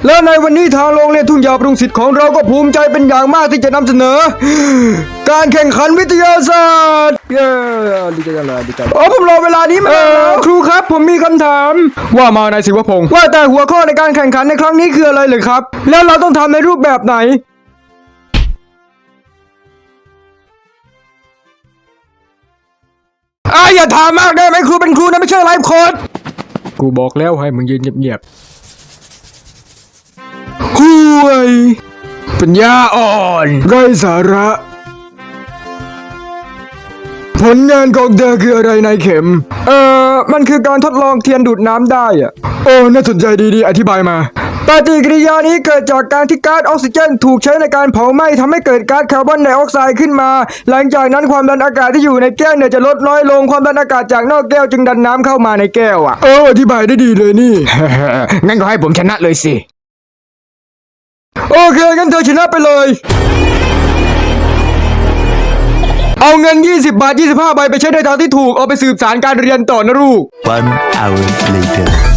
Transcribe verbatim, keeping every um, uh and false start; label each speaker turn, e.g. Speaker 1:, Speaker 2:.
Speaker 1: และในวันนี้ทางโรงเรียนทุ่งหญ้าปรุงสิทธิ์ของเราก็ภูมิใจเป็นอย่างมากที่จะนำเสนอการแข่งขันวิทยาศาสตร์เย้ดีใจจังเลยดีใจโอ้ผมรอเวลานี้มาแล้วครูครับผมมีคำถามว่ามานายศิวพงศ์ว่าแต่หัวข้อในการแข่งขันในครั้งนี้คืออะไรเลยครับแล้วเราต้องทำในรูปแบบไหนอ่ะอย่าถามมากได้ไหมครูเป็นครูนะไม่ใช่ไลฟ์โค้ดกูบอกแล้วให้มึงยืนเงียบๆห่วยปัญญาอ่อนไร้สาระผลงานของเธอคืออะไรนายเข็มเอ่อมันคือการทดลองเทียนดูดน้ำได้อะโอ้น่าสนใจดีๆอธิบายมาปฏิกิริยานี้เกิดจากการที่ก๊าซออกซิเจนถูกใช้ในการเผาไหม้ทำให้เกิดก๊าซคาร์บอนไดออกไซด์ขึ้นมาหลังจากนั้นความดันอากาศที่อยู่ในแก้วเนี่ยจะลดน้อยลงความดันอากาศจากนอกแก้วจึงดันน้ำเข้ามาในแก้วอ่ะเอออธิบายได้ดีเลยนี่ งั้นก็ให้ผมชนะเลยสิโอเคงั้นเธอชนะไปเลยเอาเงินยี่สิบบาทยี่สิบห้าใบไปใช้ในทางที่ถูกเอาไปสืบสารการเรียนต่อนะลูก
Speaker 2: One hour later